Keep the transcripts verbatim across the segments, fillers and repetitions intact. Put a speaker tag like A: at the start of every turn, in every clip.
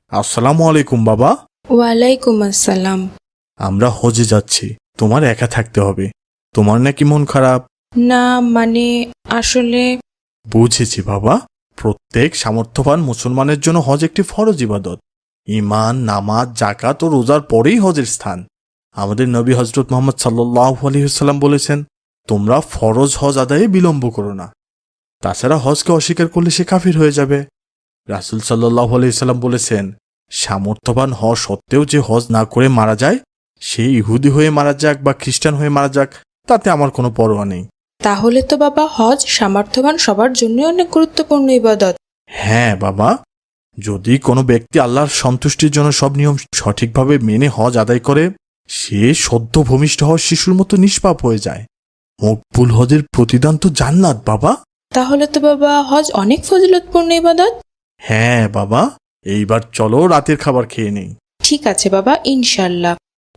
A: আসসালামু আলাইকুম বাবা।
B: ওয়ালাইকুম আসসালাম।
A: আমরা হজে যাচ্ছি, তোমার একা থাকতে হবে। তোমার নাকি মন খারাপ?
B: না মানে আসলে
A: বুঝেছি বাবা। প্রত্যেক সামর্থ্যবান মুসলমানের জন্য হজ একটি ফরজ ইবাদত। ঈমান, নামাজ, যাকাত ও রোজার পরেই হজের স্থান। আমাদের নবী হযরত মুহাম্মদ সাল্লাল্লাহু আলাইহি ওয়াসাল্লাম বলেছেন, তোমরা ফরজ হজ আদায়ে বিলম্ব করো না। তাছাড়া হজকে অস্বীকার করলে সে কাফির হয়ে যাবে। রাসূল সাল্লাল্লাহু আলাইহি ওয়াসাল্লাম বলেছেন, সামর্থ্যবান হওয়া সত্ত্বেও যে হজ না করে মারা যায়, সে ইহুদি হয়ে মারা যাক বা খ্রিস্টান হয়ে মারা যাক, তাতে আমার কোনো পরোয়া নেই।
B: তাহলে তো বাবা হজ সামর্থ্যবান সবার জন্যই অনেক গুরুত্বপূর্ণ ইবাদত।
A: হ্যাঁ বাবা, যদি কোনো ব্যক্তি আল্লাহর সন্তুষ্টির জন্য সব নিয়ম সঠিকভাবে মেনে হজ আদায় করে, সে সদ্য ভূমিষ্ঠ হওয়া শিশুর মতো নিষ্পাপ হয়ে যায়। মকবুল হজের প্রতিদান তো জান্নাত বাবা।
B: তাহলে তো বাবা হজ অনেক ফজিলতপূর্ণ ইবাদত।
A: হ্যাঁ বাবা, এইবার চলো রাতের খাবার খেয়ে নেই।
B: ঠিক আছে বাবা, ইনশাল্লাহ।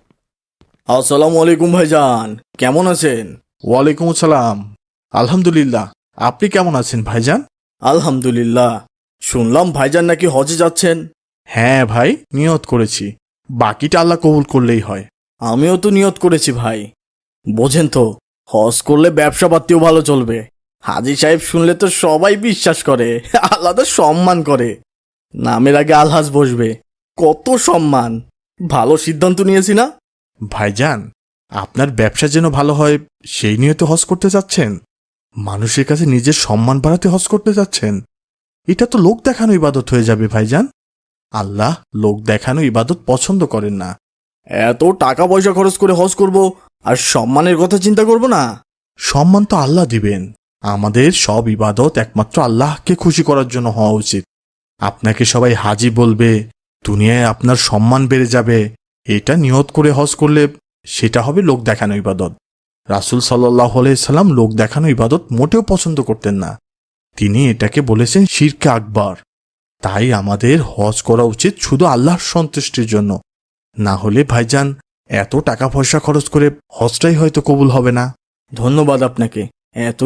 C: আসসালামু আলাইকুম ভাইজান, কেমন আছেন?
A: ওয়ালাইকুম আসসালাম। আলহামদুলিল্লাহ, আপনি কেমন আছেন ভাইজান?
C: আলহামদুলিল্লাহ। শুনলাম ভাইজান নাকি হজে যাচ্ছেন।
A: হ্যাঁ ভাই, নিয়ত করেছি, বাকিটা আল্লাহ কবুল করলেই হয়।
C: আমিও তো নিয়ত করেছি ভাই। বোঝেন তো, হজ করলে ব্যবসা পাতিও ভালো চলবে। হাজী সাহেব শুনলে তো সবাই বিশ্বাস করে, আলাদা সম্মান করে। নামের আগে আলহাজ বসবে, কত সম্মান। ভালো সিদ্ধান্ত নিয়েছি না?
A: ভাইজান, আপনার ব্যবসা যেন ভালো হয় সেই নিয়ে তো হজ করতে যাচ্ছেন। মানুষের কাছে নিজের সম্মান বাড়াতে হজ করতে যাচ্ছেন। এটা তো লোক দেখানো ইবাদত হয়ে যাবে ভাইজান। আল্লাহ লোক দেখানো ইবাদত পছন্দ করেন না।
C: এত টাকা পয়সা খরচ করে হজ করব, আর সম্মানের কথা চিন্তা করব না?
A: সম্মান তো আল্লাহ দিবেন। আমাদের সব ইবাদত একমাত্র আল্লাহকে খুশি করার জন্য হওয়া উচিত। আপনাকে সবাই হাজি বলবে, দুনিয়ায় আপনার সম্মান বেড়ে যাবে, এটা নিয়ত করে হজ করলে সেটা হবে লোক দেখানো ইবাদত। রাসূল সাল্লাল্লাহু আলাইহি সাল্লাম লোক দেখানো ইবাদত মোটেও পছন্দ করতেন না। তিনি এটাকে বলেছেন শিরকে আকবার। তাই আমাদের হজ করা উচিত শুধু আল্লাহর সন্তুষ্টির জন্য। না হলে ভাইজান, এত টাকা পয়সা খরচ করে হজটাই হয়তো কবুল হবে না।
C: ধন্যবাদ আপনাকে এত